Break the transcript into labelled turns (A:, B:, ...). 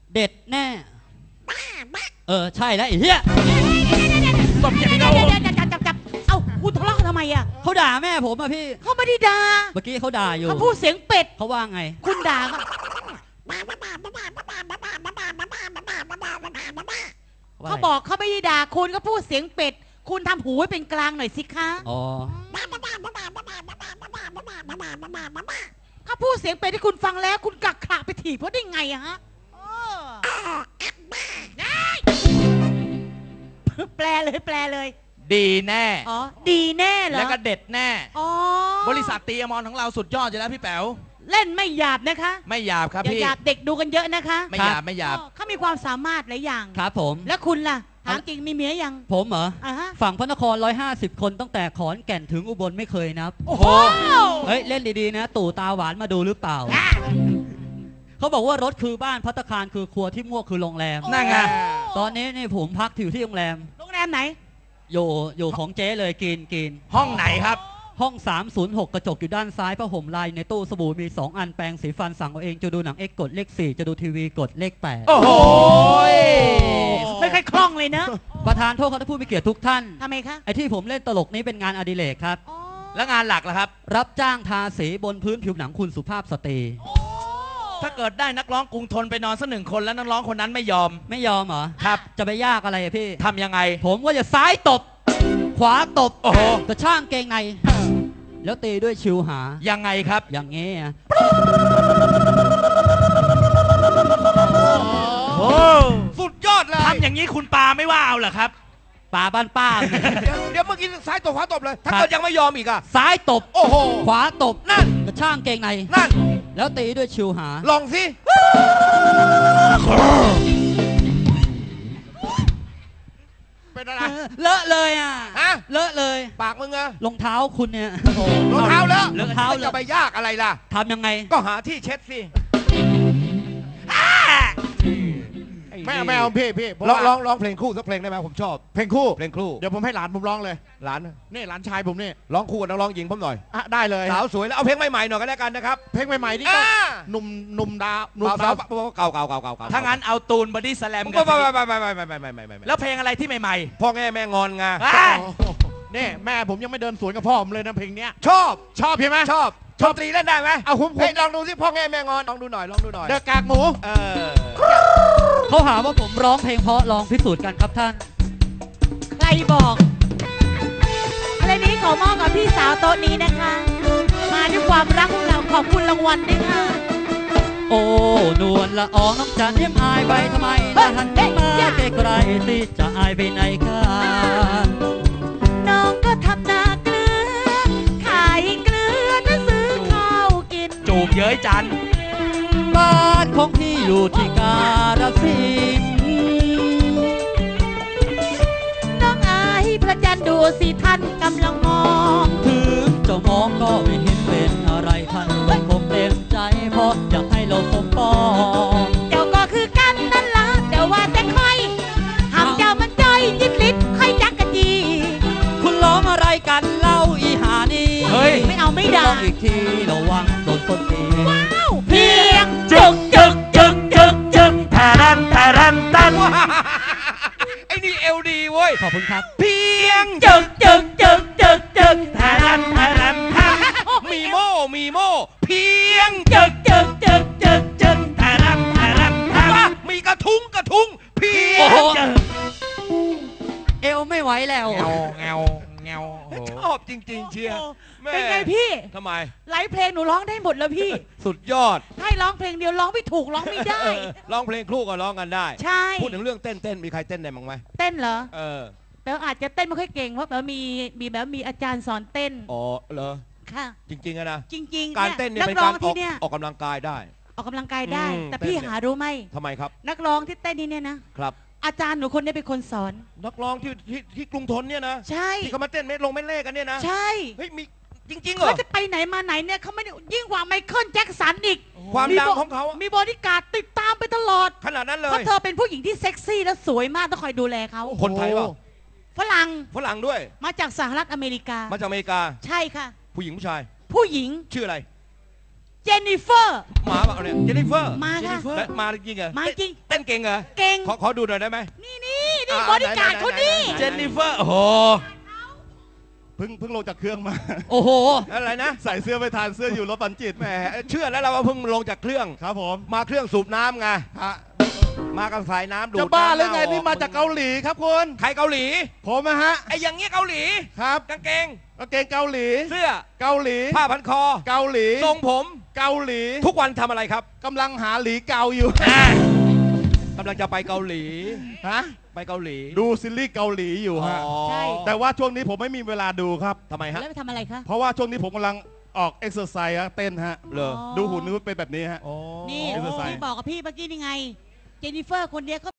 A: เด็ดแน่ใช่แล้วไอ้เหี้ย
B: ตบอย่างนี้เรา
C: จับเอ้าคุณทะเลาะกันทำไมอ่ะ
A: เขาด่าแม่ผมอะพี่
C: เขาไม่ได้ด่า
A: เมื่อกี้เขาด่าอยู่
C: เขาพูดเสียงเป็ด
A: เขาว่าไง
C: คุณด่าเขาบอกเขาไม่ได้ด่าคุณก็พูดเสียงเป็ดคุณทำหูให้เป็นกลางหน่อยสิคะ
A: อ๋อ
C: เขาพูดเสียงเป็ดที่คุณฟังแล้วคุณกักขระไปถีบเพราะได้ไงอะฮะแปลเลย
B: ดีแน่
C: อ๋อดีแน่เหรอ
B: แล้วก็เด็ดแน่
C: อ๋อบ
B: ริษัทตีอมรของเราสุดยอดอยู่แล้วพี่แป๋ว
C: เล่นไม่หยาบนะคะ
B: ไม่หยาบครับพี่
C: หยาบเด็กดูกันเยอะนะคะ
B: ไม่หยาบ
C: เขามีความสามารถหลายอย่าง
A: ครับผม
C: แล้วคุณล่ะถามจริงมีเมียยัง
A: ผมเหรอฝั่งพระนคร150คนตั้งแต่ขอนแก่นถึงอุบลไม่เคยนับ
C: โอ้โห
A: เฮ้ยเล่นดีๆนะตู่ตาหวานมาดูหรือเปล่าเขาบอกว่ารถคือบ้านภัตตาคารคือครัวที่มั่วคือโรงแรม
B: นั่นไง
A: ตอนนี้นี่ผมพักอยู่ที่โรงแรม
C: ไหน
A: อยู่ของเจ๊เลยกิน
B: ห้องไหนครับ
A: ห้อง306กระจกอยู่ด้านซ้ายผ้าห่มลายในตู้สบู่มี2อันแปรงสีฟันสั่งเอาเองจะดูหนัง X กดเลข4จะดูทีวีกดเลข8
B: โอ้โห
C: ไม่ค่อยคล่องเลยนะ
A: ประธานโทษครับท่านผู้มีเกียรติทุกท่าน
C: ทำไมคะ
A: ไอ้ที่ผมเล่นตลกนี้เป็นงานอดิเรกครับ
B: แล้วงานหลักล่ะครับ
A: รับจ้างทาสีบนพื้นผิวหนังคุณสุภาพสตรี
B: ถ้าเกิดได้นักร้องกรุงทนไปนอนสัก1 คนแล้วนักร้องคนนั้นไม่ยอม
A: เหรอ
B: ครับ
A: จะไปยากอะไรพี่
B: ทำยังไง
A: ผมว่าจะซ้ายตบขวาตบ
B: โอ้โห
A: กระช่างเกงในแล้วตีด้วยชิวหา
B: ยังไงครับ
A: อย่างงี้
B: โอ้สุดยอดเลยทำอย่างนี้คุณปาไม่ว่าเอาเหรอครับ
A: ปาบ้านป้า
D: เดี๋ยวเมื่อกี้ซ้ายตบขวาตบเลยถ้าเกิดยังไม่ยอมอีกอะ
A: ซ้ายตบ
D: โอ้โห
A: ขวาตบ
D: นั่น
A: กระช่างเกงใน
D: นั่น
A: แล้วตีด้วยชิวหา
D: ลองสิเป็นอะไร
A: เลอะเลยอ่ะเลอะเลย
D: ปากมึงอะ
A: รองเท้าคุณเนี่ย
D: รองเท้าแล้ว
A: รองเท้า
D: จะไปยากอะไรล่ะ
A: ทำยังไง
D: ก็หาที่เช็ดสิไม่เอาพี่ร้องเพลงคู่สักเพลงได้ไหมผมชอบเพลงคู่เดี๋ยวผมให้หลานผมร้องเลยหลานชายผมนี่ร้องคู่กับนักร้องหญิงผมหน่อยได้เลยสาวสวยแล้วเอาเพลงใหม่ๆหน่อยก็แล้วกันนะครับเพลงใหม่ๆนี่ก็หนุ่มดาวเก่า
B: ถ้างั้นเอาตูนบอดี้สแลมกัน
D: ไม่
B: แล้วเพลงอะไรที่ใหม่
D: ๆพ่อแม่งอนไงนี่แม่ผมยังไม่เดินสวนกับพ่อผมเลยนะเพลงเนี้ยชอบใช่ไหมชอบตรีเล่นได้ไหมเอาผมลองดูสิพ่อแม่งอนลองดูหน่อยเด็กกากหมู
A: เขาหาว่าผมร้องเพลงเพราะลองพิสูจน์กันครับท่าน
C: ใครบอกอะไรนี้ขอมอบกับพี่สาวโต๊ะนี้นะคะมาด้วยความรักของเราขอบคุณรางวัลด้วยค่ะ
A: โอ้นวลละอองน้องจันเยี่ยมอายไปทำไมน่าทันมาไกลๆสิจะอายไปไหนกัน
C: น้องก็ทำนาเกลือขายเกลือน่าซื้อข้าวกิน
B: จูบเย้ยจัน
A: บ้านของพี่อยู่ที่กาฬสินธุ์
C: น้องอายพระจันทร์ดูสิท่านกำลังมอง
A: ถึงเจ้ามองก็ไม่เห็นเป็นอะไรท่านคงเต็มใจเพราะอยากให้เราสมปอง
C: เจ้าก็คือกันนั่นละแต่ว่าแต่ค่อยหำเจ้ามันจ้อยยิบลิดค่อยจักกะจี
A: คุณร้องอะไรกันเล่าอีหานี่
C: เฮ้ยไม่เอาไม่ได้
A: อีกทีระวังโดนต้นตี
C: ว้าวเพียง
B: จึกแทรัน
D: ไอ้นี่เอลดีเว้ย
A: ขอบคุณครับ
D: เพียง
B: จึกแทรัน
D: มีโม่เพียง
B: จึกแทรัน
D: มีกระทุ้งเพียง
A: เอวไม่ไหวแล้ว
D: เงาชอบจริงๆเชียร์
C: เป็นไงพี่
D: ทำไม
C: หลายเพลงหนูร้องได้หมดแล้วพี่
D: สุดยอด
C: ให้ร้องเพลงเดียวร้องไม่ถูกร้องไม่ได้
D: ร้องเพลงคู่ก็ร้องกันได้
C: ใช่
D: พูดถึงเรื่องเต้นมีใครเต้นได้บ้างไหม
C: เต้นเหรอแต่อาจจะเต้นไม่ค่อยเก่งเพราะแบบมีอาจารย์สอนเต้น
D: อ๋อเหรอ
C: ค่ะ
D: จริงๆนะ
C: จริง
D: ๆการเต้นเนี่ยเป็นการออกกำลังกายได้
C: แต่พี่หารู้ไหม
D: ทำไมครับ
C: นักร้องที่เต้นนี่เนี่ยนะครับอาจารย์หนูคนนี้เป็นคนสอน
D: นักร้องที่กรุงทนเนี่ยนะ
C: ใช่
D: ที่เขามาเต้นเม็ดเล่กันเนี่ยนะ
C: ใช่
D: เฮ้ยมีจริงๆเหรอ
C: เขาจะไปไหนมาไหนเนี่ยเขาไม่ยิ่งกว่าไมเคิลแจ็คสันอีก
D: ความดังของเขา
C: มีบอดี้การ์ดติดตามไปตลอด
D: ขนาดนั้นเลย
C: เพราะเธอเป็นผู้หญิงที่เซ็กซี่และสวยมากต้องคอยดูแลเขา
D: คนไทยเปล่า
C: ฝรั่ง
D: ด้วย
C: มาจากสหรัฐอเมริกา
D: มาจากอเมริกา
C: ใช่ค่ะ
D: ผู้หญิงผู้ชาย
C: ผู้หญิง
D: ชื่ออะไร
C: เจนนิเฟอร์
D: มาเปล่าเนี่ยเจนนิเฟอร์
C: มาค่ะ
D: แล้วมาจริงเหรอ
C: มาจริง
D: เต้นเก่งเหรอ
C: เก่ง
D: ขอดูหน่อยได้ไหม
C: นี่บริการเขานี่
B: เจนนิเฟอร์ โอ้โห
E: เพิ่งลงจากเครื่องมา
A: โอ้โห
D: อะไรนะ
E: ใส่เสื้อไปทานเสื้ออยู่รถปันจิต
D: แหมเชื่อแล้วเราว่าเพิ่งลงจากเครื่อง
E: ครับผม
D: มาเครื่องสูบน้ำไง
E: ฮะ
D: มากับสายน้ำดูด
E: จะบ้าหรือไง
D: น้ำ
E: นี่มาจากเกาหลีครับคุณ
D: ใครเกาหลี
E: ผมนะฮะ
D: ไอ้อย่างเงี้ยเกาหลี
E: ครับ
D: กางเกง
E: กางเกงเกาหลี
D: เสื้อ
E: เกาหลี
D: ผ้าพันคอ
E: เกาหลี
D: ทรงผม
E: เกาหลี
D: ทุกวันทำอะไรครับ
E: กำลังหาหลีเกาอยู่
D: กำลังจะไปเกาหลี
E: ฮะ
D: ไปเกาหลี
E: ดูซีรีส์เกาหลีอยู่ฮะ
D: อ๋อ
C: ใช่
E: แต่ว่าช่วงนี้ผมไม่มีเวลาดูครับ
D: ทำไมฮะ
C: แล้วไปทำอะไรคะ
E: เพราะว่าช่วงนี้ผมกำลังออกเอ็กซ์เซอร์ไซส์เต้นฮะ
D: เหรอ
E: ดูหุ่นนู้นเป็นแบบนี้ฮะ
D: อ๋อ
C: นี่
E: เอ็กซ์เซอร์ไซส์
C: ที่บอกกับพี่เมื่อกี้นี่ไง เจนนิเฟอร์คนเนี้ย